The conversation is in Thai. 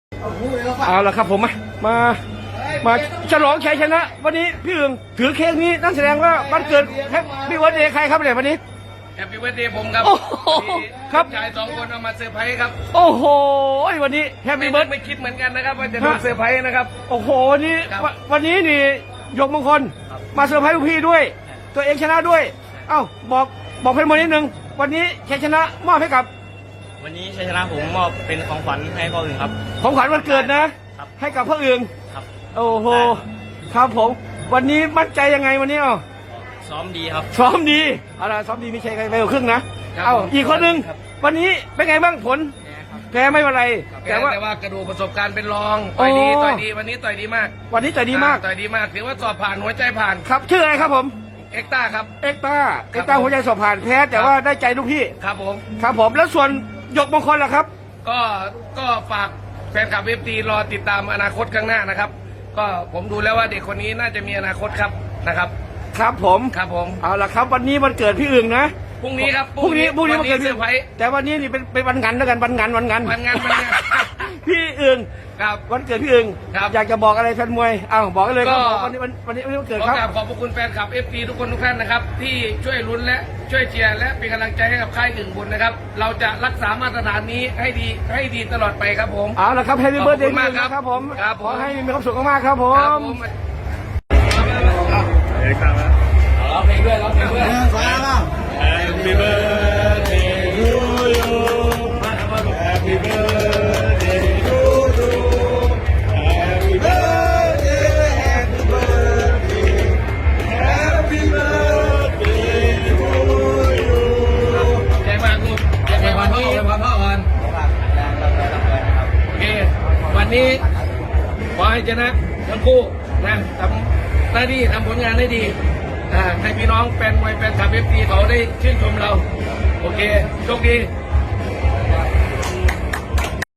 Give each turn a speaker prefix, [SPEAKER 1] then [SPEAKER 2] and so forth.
[SPEAKER 1] เอาละครับผมมาฉลองชัยชนะ วันนี้พี่อึ่งถือเค้กนี้นั่นแสดงว่าวันเกิดแฮปปี้วันเดย์ใครครับเนี่ยวันนี้
[SPEAKER 2] แฮปปี้เบิร์ดเดย์ผมครับ
[SPEAKER 1] โอ้โหครับ
[SPEAKER 2] ชายสองคนเอามาเซอร์ไพรส์ครับ
[SPEAKER 1] โอ้โหวันนี้แฮปปี้เบิร์ด
[SPEAKER 2] ไม่คิดเหมือนกันนะครับว่าจะโดนเซอร์ไพรส์นะครับ
[SPEAKER 1] โอ้โหวันนี้
[SPEAKER 2] ครับ
[SPEAKER 1] วันนี้นี่ยกมงคลมาเซอร์ไพรส์ลูกพี่ด้วย ตัวเองชนะด้วย เอ้าบอกเพื่อนมวยนิดนึงวันนี้ชัยชนะมอบให้กับ
[SPEAKER 3] วันนี้ชัยชนะผมมอบเป็นของขวัญให้พ่ออื่นครับ
[SPEAKER 1] ของขวัญวันเกิดนะ
[SPEAKER 3] ครับ
[SPEAKER 1] ให้กับพ่ออึ่ง
[SPEAKER 3] ครับ
[SPEAKER 1] โอ้โหครับผม วันนี้มั่นใจยังไงวันนี้อ่ะ
[SPEAKER 3] ซ้อมดีครับ
[SPEAKER 1] ซ้อมดีเอาล่ะซ้อมดีไม่ใช่ใครไปกว่าครึ่งนะ
[SPEAKER 2] ครับ
[SPEAKER 1] เอ้า
[SPEAKER 2] ผม
[SPEAKER 1] อีกคนหนึ่ง
[SPEAKER 2] ครับ
[SPEAKER 1] วันนี้เป็นไงบ้างผลแพ้ไม่เป็นไร
[SPEAKER 2] แต่ว่ากระดูกประสบการณ์เป็นรองต่อยดี
[SPEAKER 1] โอ้
[SPEAKER 2] ต่อยดีวันนี้ต่อยดีมาก
[SPEAKER 1] วันนี้ใจดีมาก
[SPEAKER 2] ต่อยดีมากถือว่าสอบผ่านหัวใจผ่าน
[SPEAKER 1] ครับชื่ออะไรครับผม
[SPEAKER 2] เอ็กต้าครับ
[SPEAKER 1] เอ็กต้าหัวใจสอบผ่านแพ้แต่ว่าได้ใจลูกพี่
[SPEAKER 2] ครับผม
[SPEAKER 1] ครับผมแล้วส่วนยกมงคลล่ะครับ
[SPEAKER 2] ก็ฝากแฟนคลับเอฟตีรอติดตามอนาคตข้างหน้านะครับ ก็ผมดูแล้วว่าเด็กคนนี้น่าจะมีอนาคตครับนะครับ
[SPEAKER 1] ครับผม
[SPEAKER 2] ครับผม
[SPEAKER 1] เอาล่ะครับวันนี้วันเกิดพี่อึ่งนะ
[SPEAKER 2] พรุ่งนี้ครับ
[SPEAKER 1] พรุ่งนี้วันเกิด
[SPEAKER 2] เซ
[SPEAKER 1] พี่
[SPEAKER 2] อร์ไพรส์
[SPEAKER 1] แต่วันนี้นี่เป็นวันงานแล้วกันวันงาน
[SPEAKER 2] วันงาน
[SPEAKER 1] พี่อึ่ง
[SPEAKER 2] ครับ
[SPEAKER 1] วันเกิดพี่อึ่ง
[SPEAKER 2] ครับ
[SPEAKER 1] อยากจะบอกอะไรแฟนมวยอ้าวบอกกันเลยครับ
[SPEAKER 2] ก็
[SPEAKER 1] บอกวันนี้วันเกิด
[SPEAKER 2] ขอ
[SPEAKER 1] ครับ
[SPEAKER 2] กราบขอบพระคุณแฟนคลับ FP ทุกคนทุกท่านนะครับ ที่ช่วยลุ้นและช่วยเชียร์และเป็นกำลังใจให้กับค่ายถึงบุญนะครับ เราจะรักษามาตรฐานนี้ให้ดีตลอดไปครับผม
[SPEAKER 1] เอาละครับแฮปปี้
[SPEAKER 2] ขอบ
[SPEAKER 1] เบิร์ดเด
[SPEAKER 2] คุณ
[SPEAKER 1] ย์
[SPEAKER 2] มาก
[SPEAKER 1] ครับผม
[SPEAKER 2] ครับผม
[SPEAKER 1] ขอให้มีความสุขมากๆครับผ
[SPEAKER 2] ครับ
[SPEAKER 1] ม
[SPEAKER 2] ผมร้องเพลงด้วยร้องเพลงด้วย
[SPEAKER 3] Happy birthday to you Happy birthday to you Happy birthday Happy birthday Happy birthday to you
[SPEAKER 2] ใจมากลูกใจมากพ่อก่อนโอเควันนี้ขอให้ชนะทั้งคู่นะทำหน้าที่ทำผลงานได้ดีให้พี่น้องแฟนมวยแฟนคลับ FP เขาได้ชื่นชมเรา โอเคโชคดี